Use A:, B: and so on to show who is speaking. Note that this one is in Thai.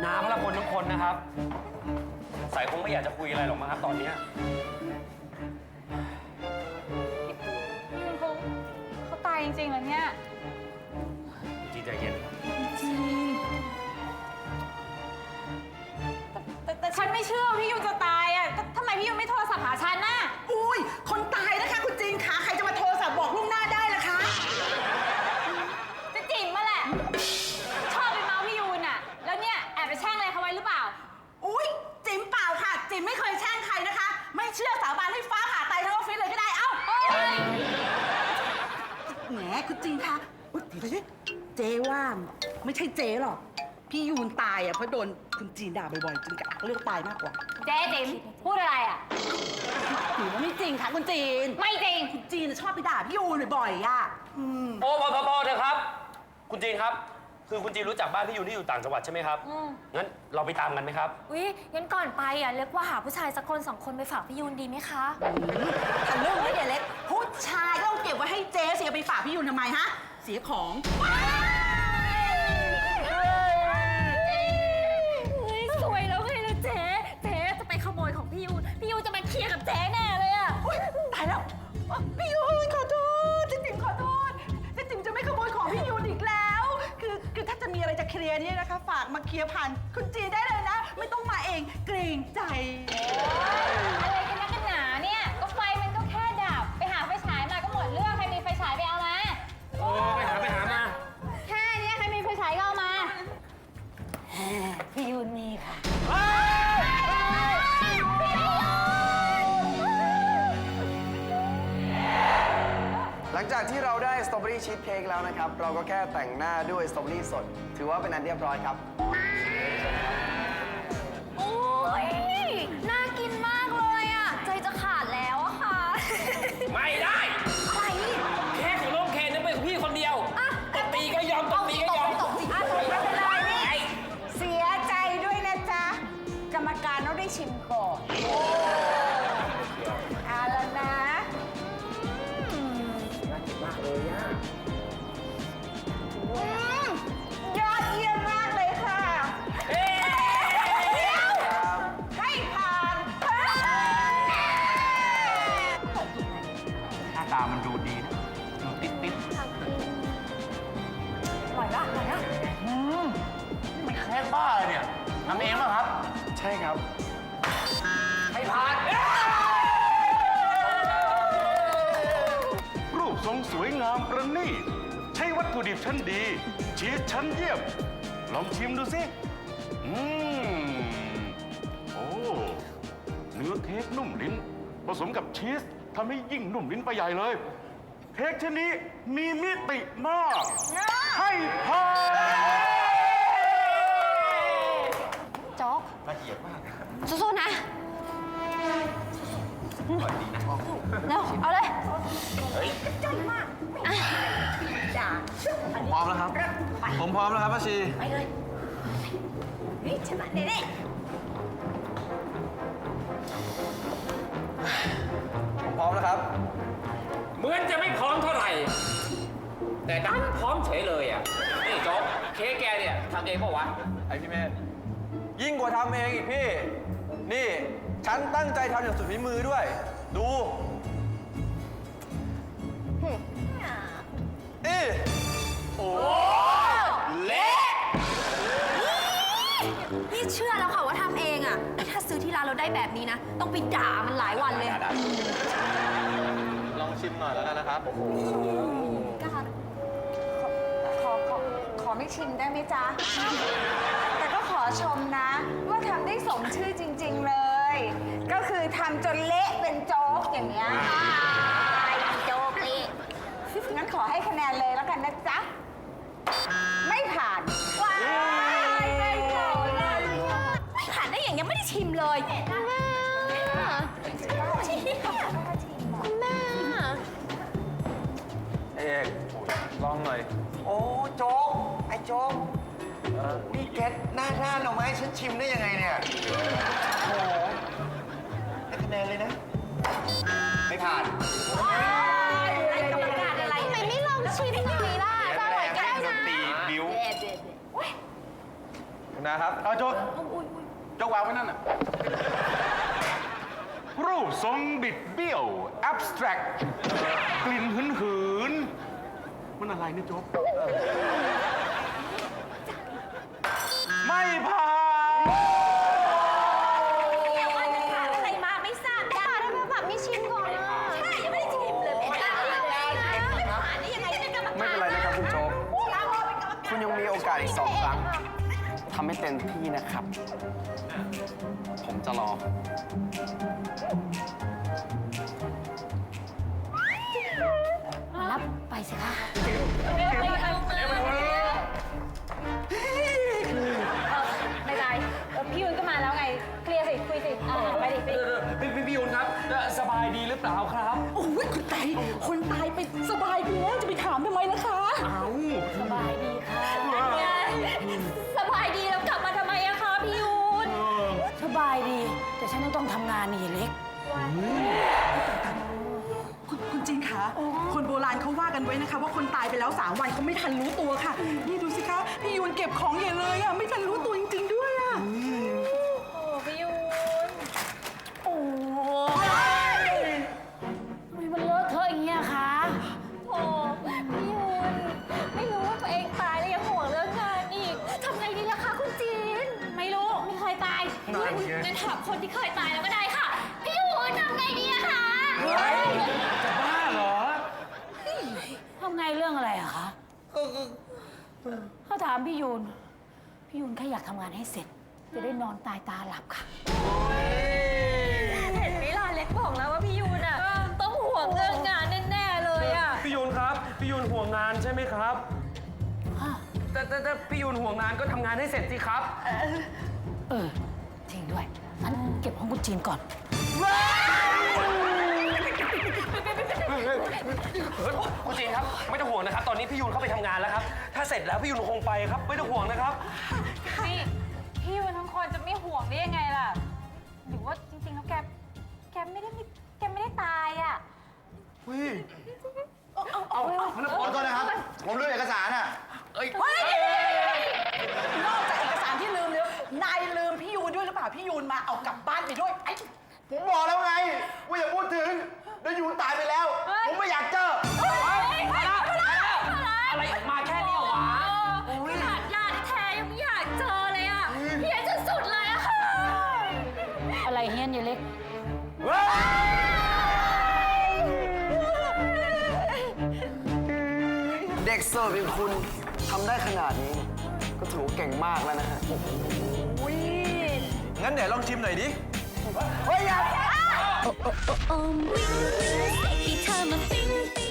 A: น้าพระคนทุกคนนะครับสายคงไม่อยากจะคุยอะไรหรอกมั้งครับตอนนี้
B: เขาตายจริงๆเหรอเนี่ย
A: จีใจเย็น
B: จริงแต่ฉันไม่เชื่อพี่ยูจะตายอ่ะทำไมพี่ยูไม่โทรศัพท์หาฉันน่ะ
C: อุ้ยคนตายนะคะคุณจีนคะใครจะมาโทรศัพท์บอกล่วงหน้าได้ล่ะคะ
B: จะจิ๋มมาแหละชอบไปเมาพี่ยูน่ะแล้วเนี่ยแอบไปแช่งอะไรเขาไว้หรือเปล่า
C: อุ้ยจิ๋มเปล่าค่ะจิ๋มไม่เคยแช่งใครนะคะไม่เชื่อสาบานให้ฟ้าผ่าตายทั้งออฟฟิศเลยก็ได้เอ้าแหมคุณจีนคะอุ๊ยเดี๋ยวเจ๊ว่าไม่ใช่เจ๊หรอกพี่ยูนตายอ่ะเพราะโดนคุณจีนด่าบ่อยๆจนกะเลือกตายมากกว่า
B: เจ๊จิ๋มพูดอะไรอ่ะ
C: หนูว่าไม่จริงค่ะคุณจีน
B: ไม่จริง
C: คุณจีนชอบไปด่าพี่ยูนบ่อยๆอ่ะ
A: โอ้พอเถอะครับคุณจีนครับคือคุณจีนรู้จักบ้านพี่ยูนที่อยู่ต่างจังหวัดใช่ไหมครับงั้นเราไปตามกันไหมครับ
D: งั้นก่อนไปอ่ะเล็กว่าหาผู้ชายสักคน2 คนไปฝากพี่ยูนดีไหมคะ
C: ถ้าเรื่องไม่เดี๋ยวเล็กผู้ชายก็ต้องเก็บไว้ให้เจ๊เสียไปฝากพี่ยูนทำไมฮะเสียของ
D: สวยแล้วไงล่ะเจ๊จะไปขโมยของพี่ยูนจะมาเคลียร์กับเจ๊แน่เลยอ่ะ
C: ตายแล้วพี่ยูนขอโทษเจ๊ติ๋มขอโทษเจ๊ติ๋มจะไม่ขโมยของพี่ยูนอีกแล้วคือถ้าจะมีอะไรจะเคลียร์เนี่ยนะคะฝากมาเคลียร์ผ่านคุณจีได้เลยนะไม่ต้องมาเองเกรงใจ
B: อะไรกันนักกันหนาเนี่ยก็ไฟมันก็แค่ดับไปหาไฟฉายมาก็หมดเรื่องใครมีไฟฉายไปเอามา
A: ไปหามา
B: แค่นี้ใครมีไฟฉายก็เอามา
C: พี่ยูนมีค่ะ
E: หลังจากที่เราได้สตรอเบอรี่ชีสเค้กแล้วนะครับเราก็แค่แต่งหน้าด้วยสตรอเบอรี่สดถือว่าเป็นอันเรียบร้อยครับ
D: โอ้ยน่ากินมากเลยอ่ะใจจะขาดแล้วอะค่ะ
A: ไม่ได้
D: อะไร
A: แค่ของน้องเคนนั้นเป็นของพี่คนเดียวตบตีก็ยอมตบตีก็ยอม
C: ตบสิไม่เป็นไรนี่เสียใจด้วยนะจ๊ะกรรมการต้องได้ชิมก่อนเอาแล้วนะยอดเยี่ยมมากเลยค่ะให้ผ่าน
A: หน้าตามันดูดีนะดูติด
D: อร่อยละ
A: ไม่แค่บ้าเลยเนี่ยทำเองป่ะครับ
E: ใช่ครับ
A: ให้ผ่าน
F: รูปทรงสวยงามประณีตใช้วัตถุดิบชั้นดีชีสชั้นเยี่ยมลองชิมดูสิโอ้เนื้อเค้กนุ่มลิ้นผสมกับชีสทำให้ยิ่งนุ่มลิ้นไปใหญ่เลยเค้กชนิดมีมิติมากให้ผ่าน
D: โจ๊ก
A: ละเอียดมาก
D: สู้ๆนะเร็วเอาเลย
C: ใจมากจ้า
E: ผมพร้อมแล้วครับผมพร้อมแล้วครับป้าชี
C: ไปเลยนี่ชนะเด็ด
E: ผมพร้อมแล้วครับ
A: เหมือนจะไม่พร้อมเท่าไหร่แต่ดันพร้อมเฉยเลยอ่ะนี่โจ๊กเค้กแกเนี่ยทำเองเปล่าวะ
E: ไอพี่เมธยิ่งกว่าทำเองอีกพี่นี่ฉันตั้งใจทำอย่างสุดฝีมือด้วยดูโอ้เละ
D: นี่เชื่อแล้วค่ะว่าทำเองอ่ะถ้าซื้อที่ร้านเราได้แบบนี้นะต้องไปด่ามันหลายวันเลย
E: ลองชิมหน่อยแล้วกันนะครับ
C: ขอไม่ชิมได้ไหมจ๊ะแต่ก็ขอชมนะว่าทำได้สมชื่อจริงๆเลยก็คือทำจนเละเป็นโจ๊กอย่างเงี้ยโจ๊กเละงั้นขอให้คะแนนเลยแล้วกันนะจ๊ะไม่ผ่านว้ายไม่ผ่าน
D: ไม่ผ่านได้อย่างยังไม่ได้ชิมเลยคุณแม่
E: เอกลองหน่อยโอ้โจ๊กไอ้โจ๊กนี่แกหน้าด้านเอาไหมฉันชิมได้ยังไงเนี่ยโอ้ได้คะแนนเลยนะไม่ผ่าน
D: กรรมการอะไรทำไมไม่ลองชิมหน่อยล่ะจะอร่อยก็ได้นะ
E: ตีบิ้วคุณนะครับ
F: เอาโจ๊กโจ๊กวางไว้นั่นน่ะ รูปทรงบิดเบี้ยว abstract กลิ่นหืนๆมันอะไรเนี่ยโจ๊ก ไม่ผ่าน
B: เนี่ยว่าจะถามอะไรมาไม่ทราบจ้าได้ไหมแบบไม่ชิมก่อนนะใช่ยังไม่ได้ชิมเลยไม่ได้ไม่ผ่านนี่ยังไงจะเป็นกรรมการ
G: ไม่เป็นไรนะครับคุณโจ๊ก คุณยังมีโอกาสอีก2 ครั้ง ทำให้เต็มที่นะครับ ผมจะรอ
D: รับไปสิคะ
B: ไม่ได้พี่ยุนก็มาแล้วไงเคลียร์สิคุยสิไปดิ
H: พี่ยุนครับ สบายดีหรือเปล่าครับ
I: โอ้ยคนตายไปสบายดีแล้วจะไปถามทำไมล่ะคะ
D: สบายดีค่ะสบายดีแล้วกลับมาทำไมอะคะพี่ยูนสบายดี แต่ฉันต้องทำงานนี่เล็ก
I: คุณจีนคะคนโบราณเขาว่ากันไว้นะคะ ว่าคนตายไปแล้ว3 วันเขาไม่ทันรู้ตัวค่ะ นี่ดูสิคะ พี่ยูนเก็บของใหญ่เลยอ่ะ ไม่ทันรู้ตัวจริงๆด้วยอ่ะ
B: โอ้พี่ยุน
D: โอ้ยทำไมมันเลอะเทอะอย่างเงี้ยคะ
B: โอ้พี่ยุนไม่รู้ว่าตัวเองตายแล้วยังห่วงเรื่องงานอีกทำไงดีล่ะคะคุณจีนไม่รู้ไม่เคยตายงั้นถามคนที่เคยตายแล้วก็ได้ค่ะพี่ยุนทำไงดีอะคะ
H: จะบ้าเหรอ
D: ทำไงเรื่องอะไรอะคะถ้าถามพี่ยูนแค่อยากทำงานให้เสร็จ จะได้นอนตายตาหลับค่ะ
B: เห็นไหมล่ะเล็กบอกแล้วว่าพี่ยุนอะต้องห่วงเรื่องงานแน่ๆเลยอะ
H: พี่ยุนครับ พี่ยุนห่วงงานใช่ไหมครับ แต่พี่ยุนห่วงงานก็ทำงานให้เสร็จสิครับ
D: จริงด้วยงั้นเก็บของคุณจีนก่อน
H: คุณจีนครับ ไม่ต้องห่วงนะครับ ตอนนี้พี่ยุนเข้าไปทำงานแล้วครับ ถ้าเสร็จแล้วพี่ยุนคงไปครับ ไม่ต้องห่วงนะครับ
B: นี่พี่ยุนทั้งคนจะไม่ห่วงได้ยังไงล่ะหรือว่าจริงๆแล้วแกไม่ได้ตายอะ
E: ขอโทษนะครับ ผมลืมเอกสารอ่ะ
I: นอกจากเอกสารที่ลืมแล้วนายลืมพี่ยูนด้วยหรือเปล่า พี่ยูนมาเอากลับบ้านไปด้วยไอ้
E: ผมบอกแล้วไงว่าอย่าพูดถึงเดี๋ยวยูนตายไปแล้ว ผมไม่อยากเจอ
H: อะไรมาแค่นี้เหรอวะ
B: ขนาดญาติแท้ยังไม่อยากเจอเลยอะเฮียจะสุดเลยอะค่ะ
D: อะไรเฮี้ยนอย่าเล็ก
G: เด็กเสิร์ฟอย่างคุณทำได้ขนาดนี้ ก็ถือว่าเก่งมากแล้วนะฮะ
E: งั้นเดี๋ยวลองชิมหน่อยดิ
D: โอ้โอ้โอ้โอ้วิ่งวิ่งใส่ที่เธอมาปิ๊งปิ๊ง